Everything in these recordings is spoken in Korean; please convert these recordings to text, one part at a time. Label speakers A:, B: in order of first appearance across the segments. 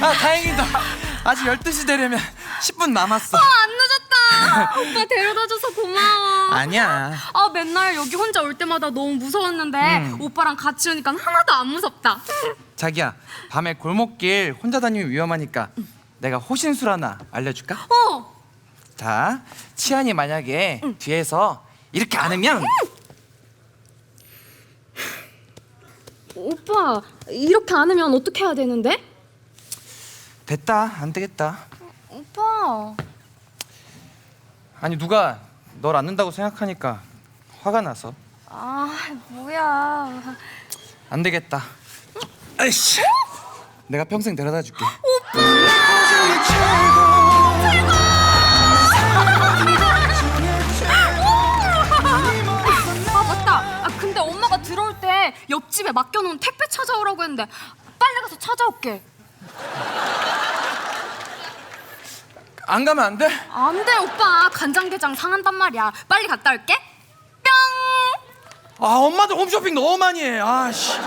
A: 다행이다. 아직 12시 되려면 10분 남았어.
B: 안 늦었다. 오빠 데려다줘서 고마워.
A: 아니야.
B: 맨날 여기 혼자 올 때마다 너무 무서웠는데 오빠랑 같이 오니까 하나도 안 무섭다.
A: 자기야, 밤에 골목길 혼자 다니면 위험하니까 내가 호신술 하나 알려줄까? 자, 치안이 만약에 뒤에서 이렇게 안으면
B: 오빠 이렇게 안으면 어떻게 해야 되는데?
A: 됐다. 안 되겠다.
B: 오빠
A: 아니 누가 널 안는다고 생각하니까 화가 나서.
B: 뭐야.
A: 안 되겠다. 아이씨. 내가 평생 데려다 줄게.
B: 맞다. 근데 엄마가 들어올 때 옆집에 맡겨놓은 택배 찾아오라고 했는데 빨리 가서 찾아올게.
A: 안 가면 안 돼?
B: 안 돼 오빠. 간장게장 상한단 말이야. 빨리 갔다 올게. 뿅.
A: 엄마도 홈쇼핑 너무 많이 해. 아씨.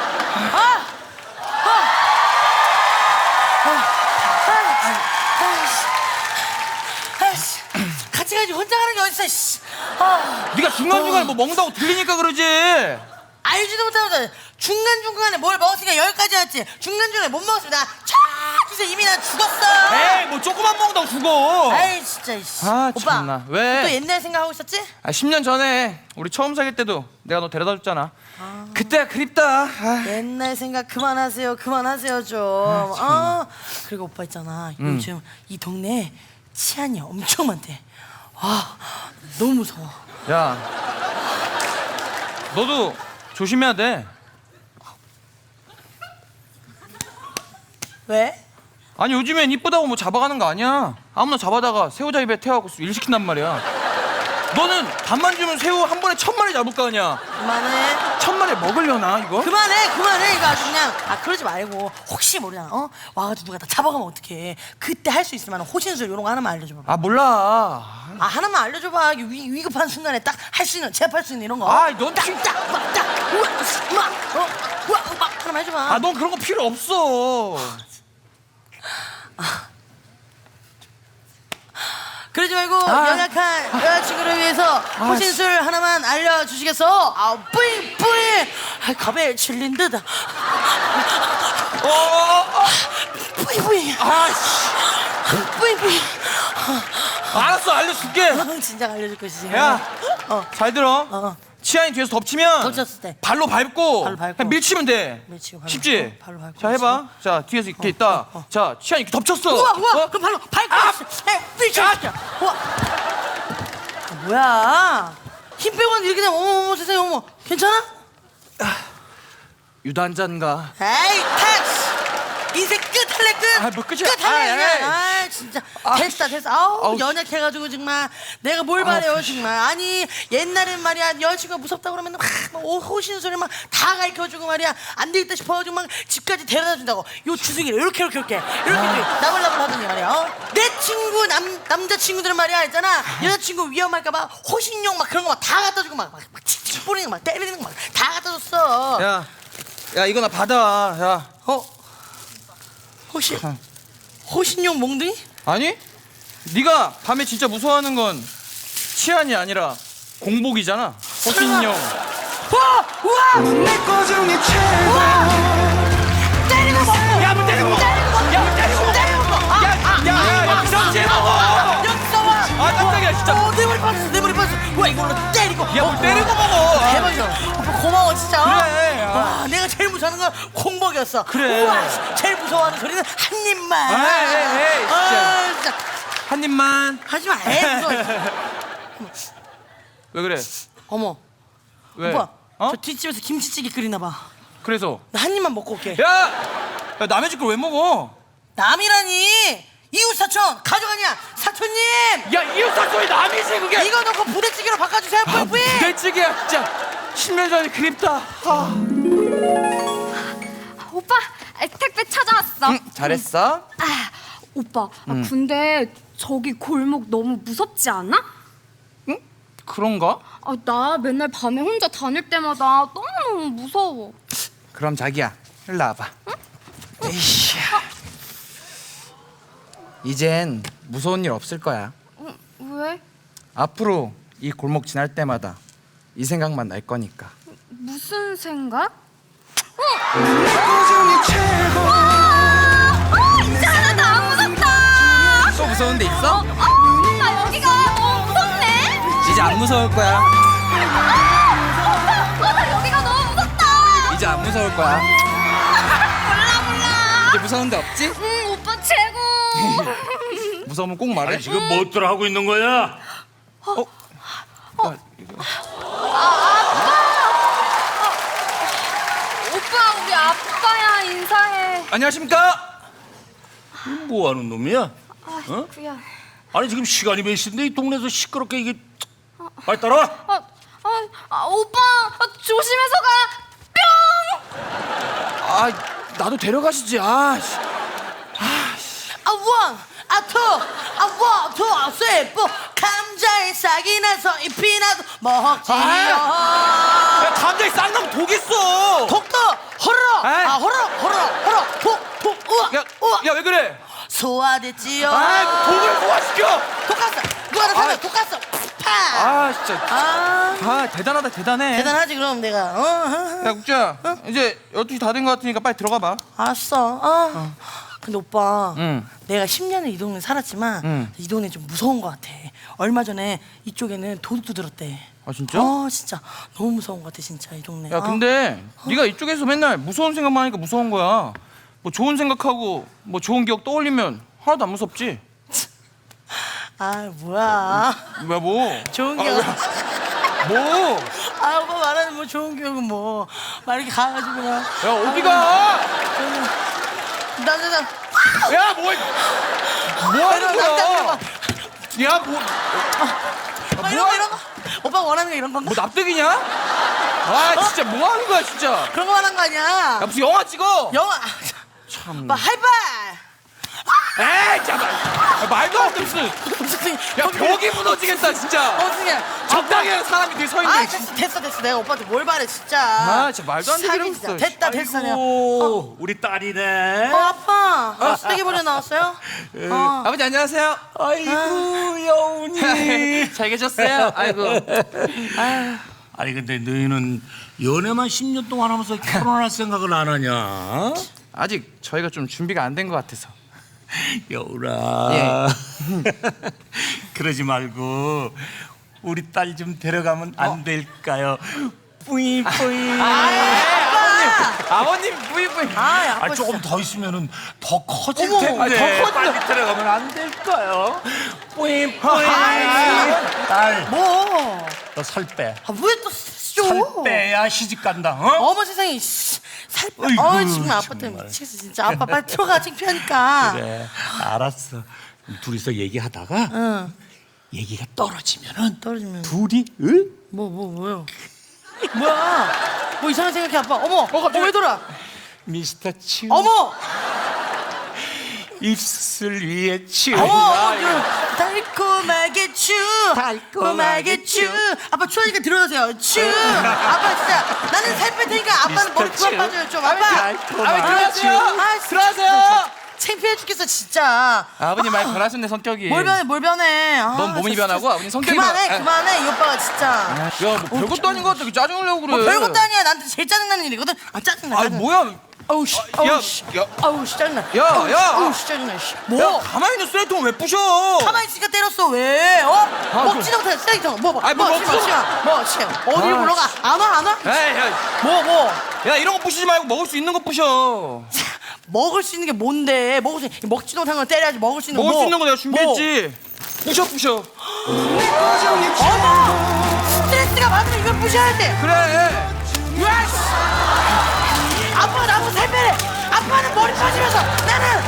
C: 같이 가지 혼자 가는 게 어딨어. 씨.
A: 네가 중간중간에 뭐 먹는다고 들리니까 그러지.
C: 알지도 못하면서 중간중간에 뭘 먹었으니까 여기까지 왔지. 중간중간에 못 먹었으면 나 촥! 이미 나 죽었어.
A: 에이 뭐 조그만 먹는다고 죽어.
C: 아이 진짜 이씨.
A: 아,
C: 오빠
A: 참나. 왜?
C: 또 옛날 생각하고 있었지?
A: 10년 전에 우리 처음 사귈 때도 내가 너 데려다 줬잖아. 그때가 그립다.
C: 옛날 생각 그만하세요 좀. 그리고 오빠 있잖아 요즘 이 동네에 치안이 엄청 많대. 너무 무서워.
A: 야, 너도 조심해야 돼.
C: 왜?
A: 아니 요즘엔 이쁘다고 뭐 잡아가는 거 아니야. 아무나 잡아다가 새우자 입에 태워갖고 일 시킨단 말이야. 너는 밥만 주면 새우 한 번에 1000마리 잡을 거 아니야.
C: 그만해.
A: 1000마리 먹으려나 이거?
C: 그만해 이거 아주 그냥. 그러지 말고 혹시 모르잖아. 와가지고 누가 다 잡아가면 어떡해. 그때 할 수 있을 만한 호신술 이런 거 하나만 알려줘봐.
A: 몰라.
C: 하나만 알려줘봐. 위급한 순간에 딱 할 수 있는, 제압할 수 있는 이런 거.
A: 넌
C: 우와, 하나만 해줘봐.
A: 넌 그런 거 필요 없어.
C: 그러지 말고 연약한 여자친구를 위해서 호신술 하나만 알려주시겠어? 뿌잉 겁에 질린 듯. 뿌잉 뿌잉.
A: 알았어, 알려줄게.
C: 진작 알려줄 것이지.
A: 야, 잘 들어. 치안이 뒤에서 덮치면
C: 덮쳤을 때
A: 발로 밟고
C: 그냥
A: 밀치면 돼.
C: 밀치고
A: 쉽지?
C: 발로 밟고
A: 자, 해봐. 자, 뒤에서 이렇게 있다. 자, 치안이 이렇게 덮쳤어.
C: 우와 그럼 발로 밟고 밀쳐. 우와. 뭐야 힘 빼고는 이렇게 되면 어머 세상에 어머 괜찮아?
A: 유단자인가?
C: 에이 탁 인생 끝 할래 끝.
A: 뭐 끝이야.
C: 끝 할래 그냥. 진짜 됐어. 아우 연약해가지고 정말 내가 뭘 바래요 정말. 아니 옛날엔 말이야 여자친구가 무섭다고 그러면 막 호신술을 막 다 가르쳐주고 말이야 안 되겠다 싶어가지고 막 집까지 데려다 준다고. 요 주둥이를 이렇게 나발나발 하더니 말이야. 내 친구 남자 친구들은 말이야 있잖아 여자친구 위험할까봐 호신용 막 그런 거 막 다 갖다 주고 막 칙칙 뿌리는 거 막 때리는 거 막 다 갖다 줬어.
A: 야 이거 나 받아. 야.
C: 호신용 몽둥이?
A: 아니? 네가 밤에 진짜 무서워하는 건 치안이 아니라 공복이잖아. 호신용.
C: 우와!
D: 내거 중에 최고.
C: 때리고 먹고!
A: 야, 뭐 때리고 먹어! 야, 뭐 때리고 먹어! 야, 이상지 먹어!
C: 여기서 와!
A: 깜짝이야, 진짜.
C: 내 머리 빠졌어. 와, 이걸로 때리고.
A: 야, 뭐 때리고 먹어!
C: 대박이다. 오빠 고마워, 진짜.
A: 그래.
C: 와, 내가 제일 무서워하는 건 공복이었어.
A: 그래.
C: 우와, 제일 무서워하는 소리는 한 입만.
A: 에이, 진짜.
C: 진짜.
A: 한 입만.
C: 하지 마. 에이, 무서워.
A: 왜 그래?
C: 어머.
A: 왜?
C: 오빠, 저 뒷집에서 김치찌개 끓이나 봐.
A: 그래서?
C: 나 한 입만 먹고 올게.
A: 야, 남의 집 걸 왜 먹어?
C: 남이라니. 이웃 사촌 가져가냐? 사촌님.
A: 야, 이웃 사촌이 남이지 그게.
C: 이거 넣고 부대찌개로 바꿔주세요. 뿌이.
A: 부대찌개야 진짜. 10년 전이 그립다.
B: 오빠 택배 찾아왔어.
A: 잘했어.
B: 오빠 근데 저기 골목 너무 무섭지 않아?
A: 그런가?
B: 나 맨날 밤에 혼자 다닐 때마다 너무너무 무서워.
A: 그럼 자기야, 일로 와봐. 에이씨. 이젠 무서운 일 없을 거야.
B: 왜?
A: 앞으로 이 골목 지날 때마다 이 생각만 날 거니까.
B: 무슨 생각?
D: 꾸준히 최고
B: 이제 하나도 안 무섭다.
A: 또 무서운 데 있어?
B: 나 여기가 너무 무섭네.
A: 이제 안 무서울 거야.
B: 나 여기가 너무 무섭다.
A: 이제 안 무서울 거야.
B: 몰라.
A: 이제 무서운 데 없지?
B: 오빠 최고.
A: 무서우면 꼭 말해.
E: 아니 지금 뭐들 하고 있는 거야?
B: 오빠 우리 아빠야 인사해.
A: 안녕하십니까?
E: 뭐 하는 놈이야?
B: 그야.
E: 아니 지금 시간이 몇 시인데 이 동네에서 시끄럽게 이게 빨리 따라와.
B: 오빠 조심해서 가.
A: 아, 나도 데려가시지. 아, 씨.
C: 원, 투, 원, 투, 쓰리, 포. 감자에 싹이 나서 잎이 나도 먹지요.
A: 야, 감자에 쌍놈 독 있어.
C: 독도 호로록,
A: 아이.
C: 호로록, 독, 우와,
A: 야,
C: 우와.
A: 야, 왜 그래?
C: 소화됐지요.
A: 아, 독을 소화시켜.
C: 독갔어. 누가 나 사면 독갔어. 파.
A: 아, 진짜. 아, 대단하다, 대단해.
C: 대단하지 그럼 내가.
A: 야, 국주야. 이제 12시 다 된 것 같으니까 빨리 들어가 봐.
C: 알았어. 근데 오빠,
A: 응.
C: 내가 10년을 이 동네 살았지만
A: 응.
C: 이 동네 좀 무서운 것 같아. 얼마 전에 이쪽에는 도둑도 들었대.
A: 아, 진짜?
C: 진짜 너무 무서운 것 같아 진짜 이 동네.
A: 야, 근데 네가 이쪽에서 맨날 무서운 생각만 하니까 무서운 거야. 뭐 좋은 생각하고 뭐 좋은 기억 떠올리면 하나도 안 무섭지?
C: 뭐야?
A: 왜 뭐?
C: 좋은 기억.
A: 뭐?
C: 오빠 말하는 뭐 좋은 기억은 뭐 막 이렇게 가가지고 막.
A: 야, 어디 가?
C: 나나나
A: 야, 뭐 하는 거야? 야, 뭐
C: 이런 거. 오빠 원하는 거 이런 건가?
A: 뭐 납득이냐? 아, 진짜 뭐 하는 거야, 진짜?
C: 그런 거 말한 거 아니야?
A: 야, 무슨 영화 찍어?
C: 영화.
A: 참.
C: 오빠 하이파이.
A: 에이, 잠깐. 말도 안 돼, 무슨. 야, 벽이 무너지겠다, 진짜.
C: 어떻게?
A: 적당히 하는 사람이 뒤에 서 있네.
C: 됐어. 내가 오빠한테 뭘 바래 진짜.
A: 아, 진짜 말도 안 되게
C: 사기
A: 이러고
C: 진짜.
A: 있어.
C: 됐어 내가.
E: 오, 우리 딸이네.
C: 아빠. 쓰레기 버려 나왔어요?
A: 아버지 안녕하세요.
E: 아이고 여운이.
A: 잘 계셨어요? 아이고.
E: 아니 근데 너희는 연애만 10년 동안 하면서 결혼할 생각을 안 하냐?
A: 아직 저희가 좀 준비가 안 된 것 같아서.
E: 여운아.
A: 예.
E: 그러지 말고 우리 딸 좀 데려가면 안 될까요? 뿌이뿌이.
A: 아버님 뿌이뿌이.
E: 아 조금 더 있으면은 더 커질
C: 어머,
E: 텐데.
A: 아니, 더 커진다.
E: 빨리 데려가면 안 될까요? 뿌이뿌이. 딸,
C: 뭐?
E: 너 살 빼.
C: 왜 또
E: 살
C: 쏘?
E: 빼야 시집 간다. 어?
C: 어머 세상에 살 빼.
E: 어이구,
C: 정말 아빠 때문에
E: 정말.
C: 미치겠어 진짜. 아빠 빨리 들어가 창피하니까.
E: 그래, 알았어. 둘이서 얘기하다가
C: 응.
E: 얘기가 떨어지면은
C: 떨어지면
E: 둘이 응?
C: 뭐요? 뭐야? 뭐 이상한 생각해 아빠. 어머. 왜 돌아?
E: 미스터 츄.
C: 어머.
E: 입술 위에 츄.
C: 어머. 달콤하게 츄.
E: 달콤하게 츄.
C: 아빠 추우니까 들어오세요. 츄. 아빠 진짜 나는 살 뺄 테니까 아빠는 머리
E: 미스터
C: 그만
E: 츄.
C: 빠져요 좀. 아빠.
E: 달콤하게
A: 들어가세요.
C: 진짜.
A: 들어가세요.
C: 창피해 죽겠어 진짜.
A: 아버님 말 변하셨네 성격이.
C: 뭘 변해.
A: 넌 몸이
C: 진짜.
A: 변하고 아버님 성격이
C: 그만해 이 오빠가 진짜.
A: 야, 뭐 별것도 아닌 것 같아. 왜 짜증내려고 그래.
C: 뭐 별것도 아니야. 나한테 제일 짜증나는 일이거든. 짜증나.
A: 아니 뭐야?
C: 아우 씨.
A: 야,
C: 아우 씨.
A: 야.
C: 아우 씨 짜증나.
A: 야,
C: 아우,
A: 야.
C: 아우 씨 짜증나. 씨.
A: 야,
C: 뭐?
A: 가만히 있는 쓰레기통 왜 부셔?
C: 가만히 있으니까 때렸어 왜? 먹지도 못해 쓰레기통. 뭐?
A: 아니, 뭐 먹어?
C: 어디로
A: 아,
C: 올라가? 안 와?
A: 에이, 야,
C: 뭐?
A: 야, 이런 거 부시지 말고 먹을 수 있는 거 부셔.
C: 먹을 수 있는 게 뭔데? 먹지도 못한 건 때려야지. 먹을 수 있는 거.
A: 먹을
C: 뭐?
A: 수 있는 거 내가 준비했지. 부셔.
C: 어머! 스트레스가 받으면 이걸 부셔야 돼.
A: 그래.
C: 야 씨. 아빠가 나보고 살 빼래. 아빠는 머리 빠지면서 나는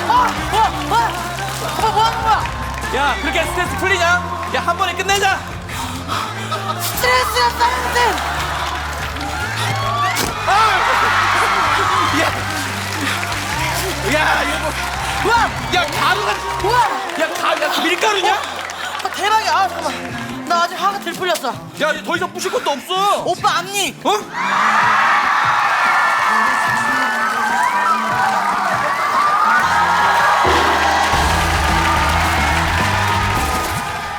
C: 뭐 하는 거야?
A: 야, 그렇게 스트레스 풀리냐? 야, 한 번에 끝내자.
C: 스트레스가 쌓이는데.
A: 야, 이거 뭐.
C: 우와!
A: 야, 가루가.
C: 우와!
A: 야, 밀가루냐?
C: 대박이야. 잠깐만. 나 아직 화가 들 풀렸어.
A: 야, 더 이상 부실 것도 없어.
C: 오빠 앞니.
A: 어?